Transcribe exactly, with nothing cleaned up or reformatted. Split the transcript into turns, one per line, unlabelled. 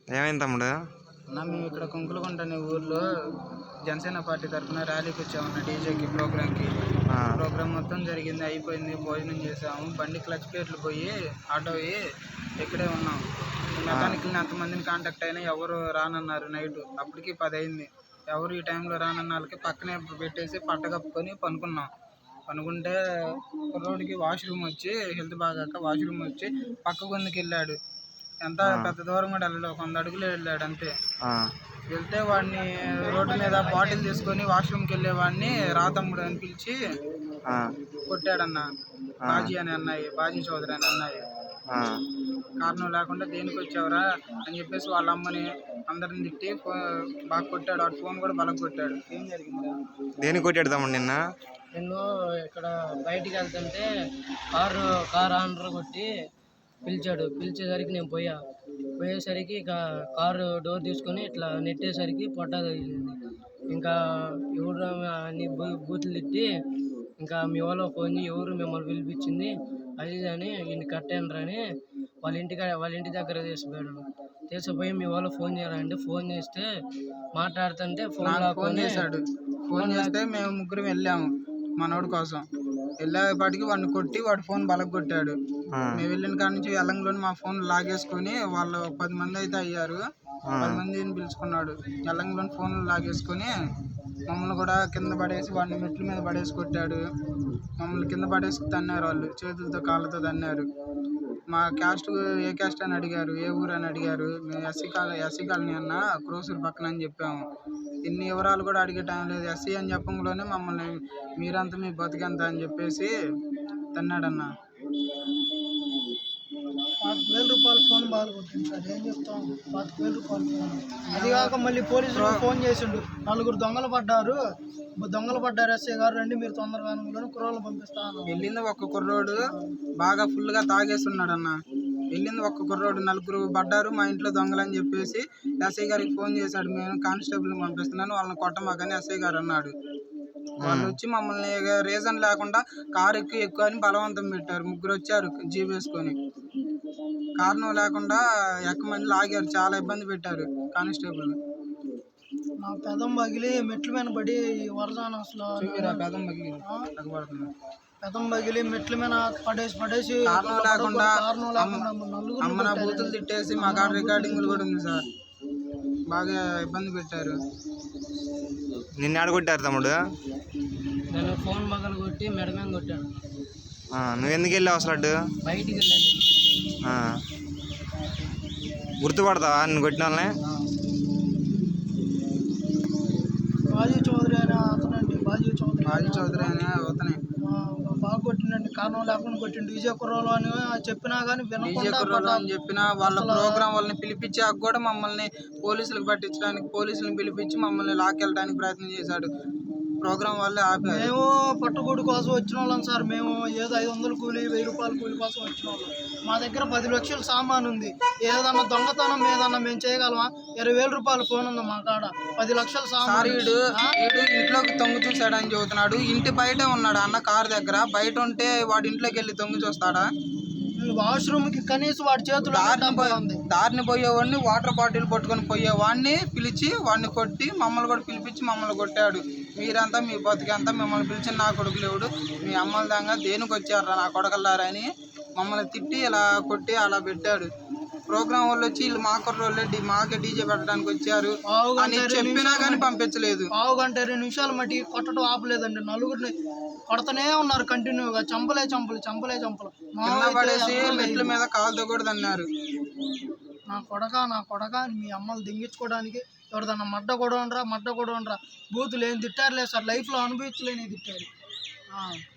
ఏమైంది తమ్ముడు?
అన్న మేము ఇక్కడ కుంకులగుంట అనే ఊర్లో జనసేన పార్టీ తరఫున ర్యాలీకి వచ్చామన్న డీజేకి ప్రోగ్రామ్కి. ప్రోగ్రామ్ మొత్తం జరిగింది, అయిపోయింది, భోజనం చేసాము. బండి క్లచ్ ప్లేట్లు పోయి ఆటో అయ్యి ఇక్కడే ఉన్నాం. మెకానికల్ని అంతమందిని కాంటాక్ట్ అయినా ఎవరు రానన్నారు. నైట్ అప్పటికి పది అయింది. ఎవరు ఈ టైంలో రానన్న వాళ్ళకి పక్కనే పెట్టేసి పట్ట కప్పుకొని పనుకున్నాం. పనుకుంటే కుర్రోడికి వాష్రూమ్ వచ్చి హెల్త్ బాగాక వాష్రూమ్ వచ్చి పక్క గొంతుకి వెళ్ళాడు. ఎంత పెద్ద దూరం కూడా వెళ్ళాడు, ఒక వంద అడుగులు వెళ్ళాడు అంతే. వెళ్తే వాడిని రోడ్డు మీద బాటిల్ తీసుకొని వాష్రూమ్కి వెళ్ళే వాడిని రా తమ్ముడు అని పిలిచి కొట్టాడన్న. బాజీ అని అన్నాయి, బాజీ చౌదరి అని అన్నాయి. కారణం లేకుండా దేనికి వచ్చావురా అని చెప్పేసి వాళ్ళ అమ్మని అందరిని తిట్టి బాగా కొట్టాడు. వాడు ఫోన్ కూడా బలం కొట్టాడు. ఏం జరిగింది?
దేనికి కొట్టాడు తమ్ముడు నిన్న?
నేను ఇక్కడ బయటికి వెళ్తుంటే కారు కారు ఆనర్ కొట్టి పిలిచాడు. పిలిచేసరికి నేను పోయా. పోయేసరికి ఇక కారు డోర్ తీసుకొని ఇట్లా నెట్టేసరికి పొట్ట తగిలింది. ఇంకా ఎవరు అన్ని బూతులు తిట్టి ఇంకా మీ వాళ్ళు ఫోన్ ఎవరు మిమ్మల్ని పిలిపించింది అది అని ఇంటి కట్టాను అని వాళ్ళ ఇంటి వాళ్ళ ఇంటి దగ్గర తీసిపోయాడు. తీసుకుపోయి మీ వాళ్ళు ఫోన్ చేయాలంటే ఫోన్ చేస్తే మాట్లాడుతుంటే ఫోన్
ఫోన్ చేశాడు. ఫోన్ చేస్తే మేము ముగ్గురం వెళ్ళాము మనోడి కోసం. వెళ్ళేపాటికి వాడిని కొట్టి వాడు ఫోన్ బలగ కొట్టాడు. మేము వెళ్ళిన కాడ నుంచి ఎల్లంలోని మా ఫోన్ లాగేసుకొని వాళ్ళు పది మంది అయితే అయ్యారు. పది మందిని పిలుచుకున్నాడు. ఎల్లంలోని ఫోన్లు లాగేసుకొని మమ్మల్ని కూడా కింద పడేసి వాడిని మెట్ల మీద పడేసి కొట్టాడు. మమ్మల్ని కింద పడేసి తన్నారు. వాళ్ళు చేతులతో కాళ్ళతో తన్నారు. మా క్యాస్ట్ ఏ క్యాస్ట్ అని అడిగారు, ఏ ఊరు అని అడిగారు. మేము ఎస్సీ కాలనీ ఎస్సీ కాలనీ అన్న క్రోసూరు పక్కన అని చెప్పాము. ఇన్ని వివరాలు కూడా అడిగే టైం లేదు. ఎస్సీ అని చెప్పంలోనే మమ్మల్ని మీరంతా మీ బతికెంత అని చెప్పేసి తన్నాడన్న.
పాతిక వేల రూపాయల ఫోన్ బాగా కొట్టింది సార్. ఏం చెప్తాం, పాతిక వేల రూపాయల ఫోన్. అది కాక మళ్ళీ పోలీసులు ఫోన్ చేసిండు, నలుగురు దొంగలు పడ్డారు, దొంగలు పడ్డారు ఎస్ఐ గారు రండి మీరు తొందరగా కుర్రోళ్ళు పంపిస్తాను.
వెళ్ళింది ఒక్క కుర్రోడు బాగా ఫుల్గా తాగేసి ఉన్నాడు అన్న. వెళ్ళింది ఒక్క కుర్రోడు, నలుగురు పడ్డారు మా ఇంట్లో దొంగలు అని చెప్పేసి ఎస్ఐ గారికి ఫోన్ చేశాడు. నేను కానిస్టేబుల్ని పంపిస్తున్నాను వాళ్ళని కొట్టమాకని ఎస్ఐ గారు అన్నాడు. వాళ్ళు వచ్చి మమ్మల్ని రీజన్ లేకుండా కారు ఎక్కువ ఎక్కువ అని బలవంతం పెట్టారు. ముగ్గురు వచ్చారు జీప్ వేసుకొని, కారణం లేకుండా ఎక్కమని లాగారు. చాలా ఇబ్బంది పెట్టారు కానిస్టేబుల్.
నా పెదం పగిలి మెట్ల మీద పడి వరదాన అసలు
పెదం పగిలి
పెదం పగిలి మెట్ల మీద పడేసి పడేసి
కారణం లేకుండా అమ్మ నా బూతులు తిట్టేసి మా కాడ రికార్డింగ్లు కూడా ఉంది సార్. బాగా ఇబ్బంది పెట్టారు.
నిన్ను ఆడ కొట్టారు తమ్ముడు?
నేను ఫోన్ పగలు కొట్టి మెడమే కొట్టాను.
నువ్వు ఎందుకు వెళ్ళావు అసలు అడ్డు?
బయటికి వెళ్ళాను.
గుర్తుపడతావా నిన్ను కొట్టిన వాళ్ళని?
బాజీ చౌదరి అనే అతనండి. బాజీ చౌదరి
బాజీ చౌదరి అనే అతనే
బాగా కొట్టిండండి. కారణం లేకుండా కొట్టిండు. డీజే కుర్రోలు అని చెప్పినా కానీ
డీజే కుర్రోలు అని చెప్పినా వాళ్ళ ప్రోగ్రామ్ వాళ్ళని పిలిపించాక కూడా మమ్మల్ని పోలీసులకు పట్టించడానికి పోలీసులను పిలిపించి మమ్మల్ని లాక్కెళ్ళడానికి ప్రయత్నం చేశాడు. ప్రోగ్రామ్ వాళ్ళే ఆపారు.
మేము పట్టుకూడి కోసం వచ్చిన వాళ్ళం సార్. మేము ఏదో ఐదు వందలు కూలి వెయ్యి రూపాయలు కూలి కోసం వచ్చిన వాళ్ళం. మా దగ్గర పది లక్షల సామాన్ ఉంది. ఏదన్నా దొంగతనం ఏదన్నా మేము చేయగలమా? ఇరవై వేల రూపాయల ఫోన్ ఉంది మా కాడ. పది లక్షల సామాన్.
వీడు ఇంట్లోకి తొంగి చూసాడని చెబుతున్నాడు. ఇంటి బయటే ఉన్నాడు అన్న కారు దగ్గర. బయట ఉంటే వాడి ఇంట్లోకి వెళ్ళి తొంగి చూస్తాడా?
వాష్రూమ్ కి కనీసం వాడి చేతులు
దారిని పోయేవాడిని వాటర్ బాటిల్ పట్టుకొని పోయేవాడిని పిలిచి వాడిని కొట్టి మమ్మల్ని కూడా పిలిపించి మమ్మల్ని కొట్టాడు. మీరంతా మీ బతికంతా మిమ్మల్ని పిలిచిన నా కొడుకు లేవుడు మీ అమ్మల దాకా దేనికి వచ్చారా నా కొడకల్లారని మమ్మల్ని తిట్టి ఇలా కొట్టి అలా పెట్టాడు. ప్రోగ్రామ్ వాళ్ళు వచ్చి వీళ్ళు మా కుర్రోళ్ళే మాకే డీజే పెట్టడానికి వచ్చారు అని చెప్పినా కానీ పంపించలేదు.
పావు గంట ఇరవై నిమిషాలు మట్టి కొట్టడం ఆపలేదండి. నలుగురిని కొడతనే ఉన్నారు కంటిన్యూగా. చంపలే చంపలు చంపలే చంపలు
కింద పడేసి మెట్ల మీద కాలుతో కూడా తన్నారు.
నా కొడక నా కొడక మీ అమ్మలు దింగించుకోవడానికి ఎవరిదన్నా మడ్డ కూడా ఉండరా మడ్డ కూడా ఉండరా బూతులు ఏం తిట్టారులే సార్. లైఫ్లో అనుభవించలేని తిట్టారు.